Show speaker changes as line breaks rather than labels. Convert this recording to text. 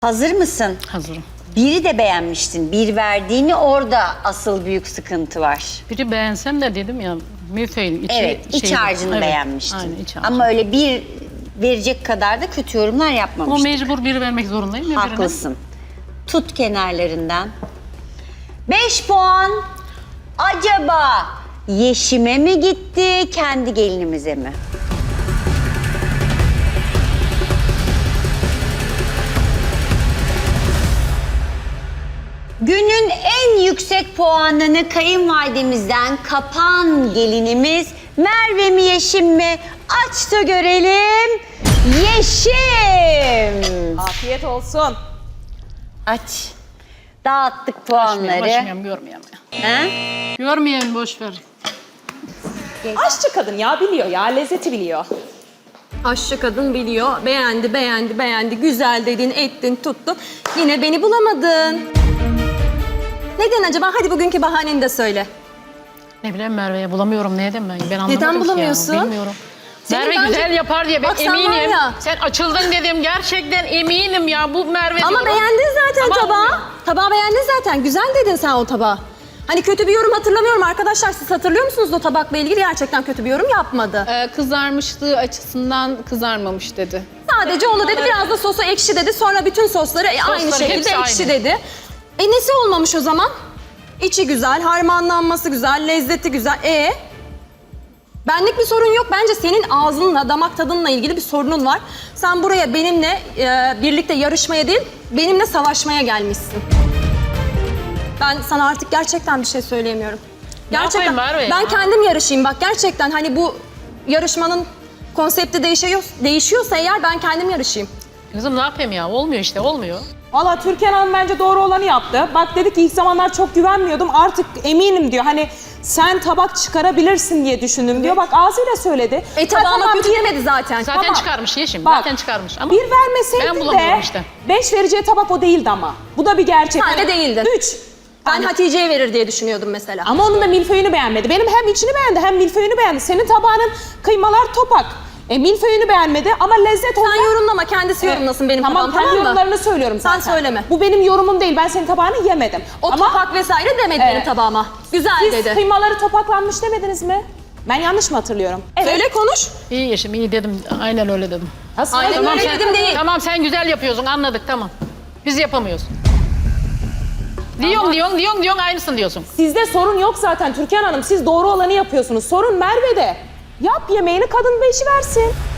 Hazır mısın?
Hazırım.
Biri de beğenmiştin. Bir verdiğini orada asıl büyük sıkıntı var.
Biri beğensem de dedim ya milföyün içi
Evet, iç
şeydi.
harcını
Evet,
beğenmiştin.
Aynen iç harcı.
Ama öyle bir verecek kadar da kötü yorumlar
Ama
yapmamıştın.
mecbur biri vermek zorundayım. ya birine.
Haklısın. Tut kenarlarından. 5 puan acaba Yeşim'e mi gitti, kendi gelinimize mi? Günün en yüksek puanını kayınvalidemizden kapan gelinimiz Merve mi Yeşim mi? Aç da görelim. Yeşim.
Afiyet olsun.
Aç. Dağıttık puanları.
Başlayalım, görmeyeyim.
Ha?
Görmeyeyim, boş ver.
Aşçı kadın ya, biliyor ya, lezzeti biliyor.
Aşçı kadın biliyor. Beğendi, beğendi, beğendi. Güzel dedin, ettin, tuttun. Yine beni bulamadın. Neden acaba? Hadi bugünkü bahaneni de söyle.
Ne bileyim Merve'ye bulamıyorum. Neden ben anlamadım
Neden
ki ya,
bulamıyorsun?
bilmiyorum.
Senin
Merve
bence-
güzel yapar diye ben
Bak sen var
eminim.
ya-
Sen açıldın dedim. Gerçekten eminim ya bu Merve
Ama
diyorum.
beğendin zaten
Ama
tabağı.
olmuyor.
Tabağı beğendin zaten. Güzel dedin sen o tabağı. Hani kötü bir yorum hatırlamıyorum arkadaşlar. Siz hatırlıyor musunuz o tabakla ilgili? Gerçekten kötü bir yorum yapmadı.
Kızarmışlığı açısından kızarmamış dedi.
Sadece onu dedi. Biraz da sosu ekşi dedi. Sonra bütün sosları aynı
Sosları
şekilde
hepsi
ekşi
aynı.
dedi. Nesi olmamış o zaman? İçi güzel, harmanlanması güzel, lezzeti güzel. Benlik bir sorun yok. Bence senin ağzınla, damak tadınla ilgili bir sorunun var. Sen buraya benimle birlikte yarışmaya değil, benimle savaşmaya gelmişsin. Ben sana artık gerçekten bir şey söyleyemiyorum.
Ne
Gerçekten.
yapayım Merve ya?
Ben kendim yarışayım bak gerçekten. Hani bu yarışmanın konsepti değişiyorsa eğer ben kendim yarışayım.
Kızım ne yapayım ya? Olmuyor işte, olmuyor.
Valla Türkan Hanım bence doğru olanı yaptı. Bak dedi ki ilk zamanlar çok güvenmiyordum, artık eminim diyor. Hani sen tabak çıkarabilirsin diye düşündüm diyor. Bak ağzıyla söyledi.
Tabağıma
Tamam,
kötü
bir-
demedi zaten.
Zaten
Tamam.
çıkarmış Yeşim.
Bak,
Zaten çıkarmış. Ama
Bir
ben
vermeseydin
bulamıyorum
de
işte.
5 vereceği tabak o değildi ama. Bu da bir gerçek.
Sen de değildin.
3.
Ben Hatice'ye verir diye düşünüyordum mesela.
Ama onun da milföyünü beğenmedi. Benim hem içini beğendi hem milföyünü beğendi. Senin tabağının kıymalar topak. Milföyünü beğenmedi ama lezzet olarak...
Sen yorumlama, kendisi yorumlasın benim
Tamam,
tabağım,
kendi
tamam mı?
yorumlarını söylüyorum
Sen
zaten.
söyleme.
Bu benim yorumum değil. Ben senin tabağını yemedim.
O topak vesaire demedi benim tabağıma. Güzel
Siz
dedi.
kıymaları topaklanmış demediniz mi? Ben yanlış mı hatırlıyorum? Evet.
Söyle konuş.
İyi Yeşim, iyi dedim. Aynen öyle dedim.
Nasıl?
Aynen
Tamam,
öyle
sen-
dedim değil.
Tamam sen güzel yapıyorsun, anladık, tamam. Biz yapamıyoruz. Diyorsun aynısın diyorsun.
Sizde sorun yok zaten Türkan Hanım. Siz doğru olanı yapıyorsunuz. Sorun Merve'de. Yap yemeğini, kadın beşi versin.